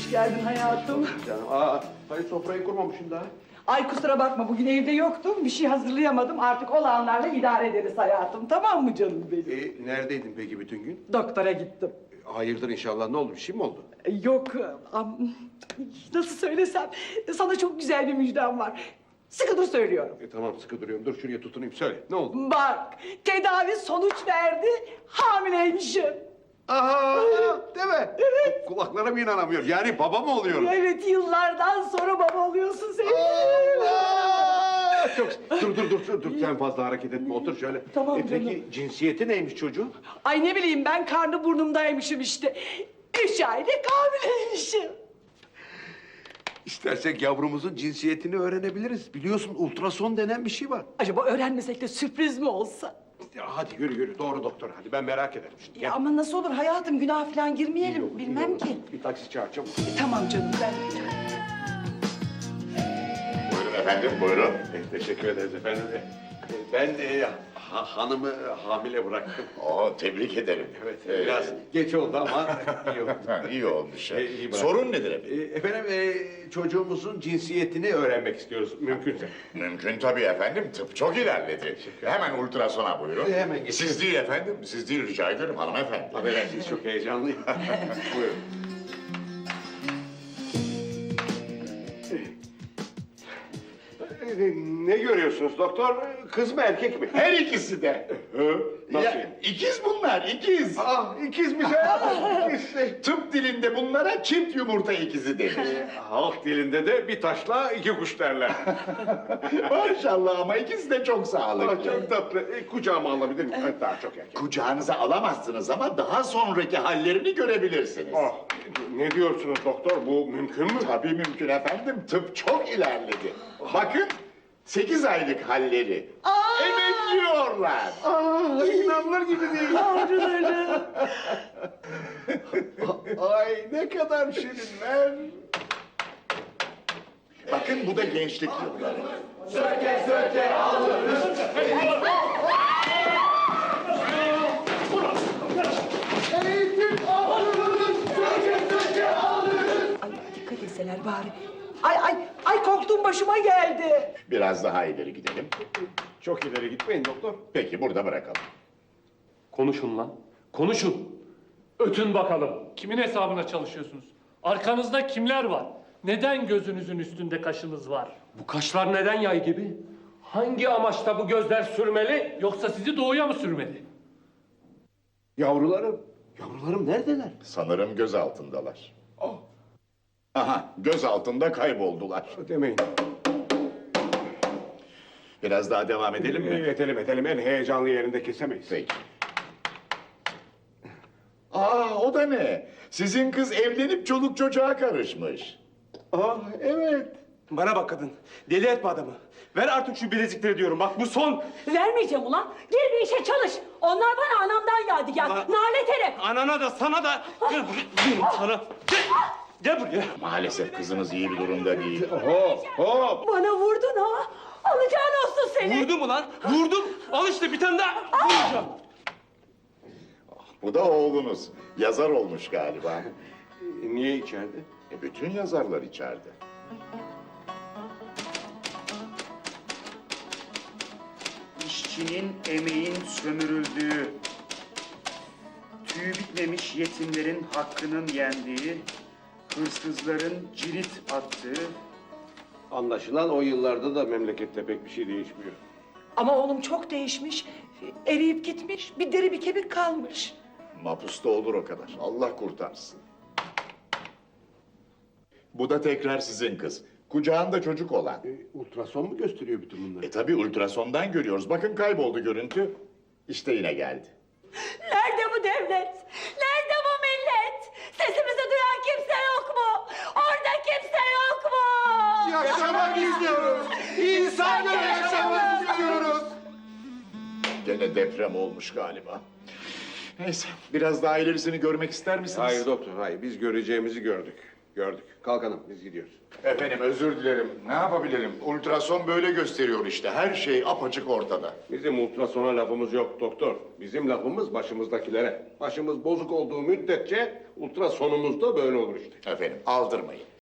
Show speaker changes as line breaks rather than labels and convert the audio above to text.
Hoş geldin hayatım.
Canım, hayır sofrayı kurmamışsın daha.
Ay kusura bakma bugün evde yoktum. Bir şey hazırlayamadım. Artık olanlarla idare ederiz hayatım. Tamam mı canım benim?
Neredeydin peki bütün gün?
Doktora gittim.
Hayırdır inşallah, ne oldu, bir şey mi oldu?
Yok, nasıl söylesem sana çok güzel bir müjdem var. Sıkı dur söylüyorum.
Tamam, sıkı duruyorum, dur şuraya tutunayım, söyle, ne oldu?
Bak, tedavi sonuç verdi, hamileymişim.
Aha, değil mi? Evet. Kulaklarıma inanamıyorum, yani baba mı oluyorum?
Evet, yıllardan sonra baba oluyorsun sen.
Allah! Çok... Dur, sen fazla hareket etme, otur şöyle.
Tamam
Peki
canım.
cinsiyeti neymiş çocuğun?
Ay ne bileyim ben karnı burnumdaymışım işte. 3 aylık hamileymişim.
İstersek yavrumuzun cinsiyetini öğrenebiliriz. Biliyorsun ultrason denen bir şey var.
Acaba öğrenmesek de sürpriz mi olsa?
Ya hadi yürü, doğru doktor, hadi ben merak ederim şimdi.
Ya ama nasıl olur hayatım, günah falan girmeyelim.
İyi olur, iyi
Bilmem
olur.
ki.
Bir taksi çağır çabuk.
Tamam canım ben.
Buyurun efendim, buyurun.
Teşekkür ederiz efendim. Ben hanımı hamile bıraktım.
Tebrik ederim.
Evet, biraz geç oldu ama iyi oldu.
İyi olmuş.
İyi bırak.
Sorun nedir efendim?
Efendim, çocuğumuzun cinsiyetini öğrenmek istiyoruz, mümkünse.
Mümkün tabii efendim, tıp çok ilerledi. Hemen ultrasona buyurun.
Hemen geçelim.
Siz değil efendim, siz değil rica ederim hanımefendi.
Affedersiniz, çok heyecanlıyım. Buyurun. Ne görüyorsunuz doktor? Kız mı erkek mi?
Her ikisi de.
Nasıl?
İkiz bunlar, ikiz.
İkizmiş ha. İkiz.
Tıp dilinde bunlara çift yumurta ikizi denir.
Halk dilinde de bir taşla iki kuş derler.
Maşallah ama ikisi de çok sağlıklı.
Çok tatlı. Kucağıma alabilir miyim? Daha çok erken.
Kucağınıza alamazsınız ama daha sonraki hallerini görebilirsiniz.
Ne diyorsunuz doktor? Bu mümkün mü?
Tabii mümkün efendim. Tıp çok ilerledi. Bakın 8 aylık halleri. Emekliyorlar.
İnanılır gibi değil. Ay ne kadar şirinler.
Bakın bu da gençlik yılları.
Ay dikkat etseler bari. Ay korktuğum başıma geldi.
Biraz daha ileri gidelim.
Çok ileri gitmeyin doktor.
Peki burada bırakalım.
Konuşun lan. Konuşun. Ötün bakalım. Kimin hesabına çalışıyorsunuz? Arkanızda kimler var? Neden gözünüzün üstünde kaşınız var? Bu kaşlar neden yay gibi? Hangi amaçla bu gözler sürmeli yoksa sizi doğuya mı sürmeli?
Yavrularım neredeler?
Sanırım göz altındalar. Aha, göz altında kayboldular.
Demeyin.
Biraz daha devam edelim mi?
Edelim. En heyecanlı yerinde kesemeyiz.
Peki. O da ne? Sizin kız evlenip çoluk çocuğa karışmış.
Evet.
Bana bak kadın, deli etme adamı. Ver artık şu bilezikleri diyorum, bak bu son.
Vermeyeceğim ulan. Gir bir işe çalış. Onlar bana anamdan yadigar.
Ulan-
Nalet herif.
Anana da sana da. Gel buraya, diyorum sana. Gel buraya.
Maalesef kızınız iyi bir durumda değil.
Hop.
Bana vurdun ha. Alacağın olsun seni.
Vurdum ulan, vurdum. Al işte bir tane daha vuracağım.
Bu da oğlunuz. Yazar olmuş galiba.
Niye içeride?
Bütün yazarlar içeride.
İşçinin, emeğin sömürüldüğü, tüyü bitmemiş yetimlerin hakkının yendiği, hırsızların cirit attığı...
Anlaşılan o yıllarda da memlekette pek bir şey değişmiyor.
Ama oğlum çok değişmiş. Eriyip gitmiş. Bir deri bir kemik kalmış.
Mapusta olur o kadar. Allah kurtarsın. Bu da tekrar sizin kız. Kucağında çocuk olan.
Ultrason mu gösteriyor bütün bunları?
Tabii ultrasondan görüyoruz. Bakın kayboldu görüntü. İşte yine geldi.
Nerede bu devlet? Nerede bu millet? Sesimizi duyan kimse yok mu? Orada kimse yok mu?
Yaşamak istiyoruz. İnsanlar yaşamak istiyoruz.
Gene deprem olmuş galiba. Neyse, biraz daha ilerisini görmek ister misiniz?
Hayır doktor, hayır. Biz göreceğimizi gördük. Kalk hanım, biz gidiyoruz.
Efendim özür dilerim. Ne yapabilirim? Ultrason böyle gösteriyor işte. Her şey apaçık ortada.
Bizim ultrasona lafımız yok doktor. Bizim lafımız başımızdakilere. Başımız bozuk olduğu müddetçe ultrasonumuz da böyle olur işte.
Efendim aldırmayın.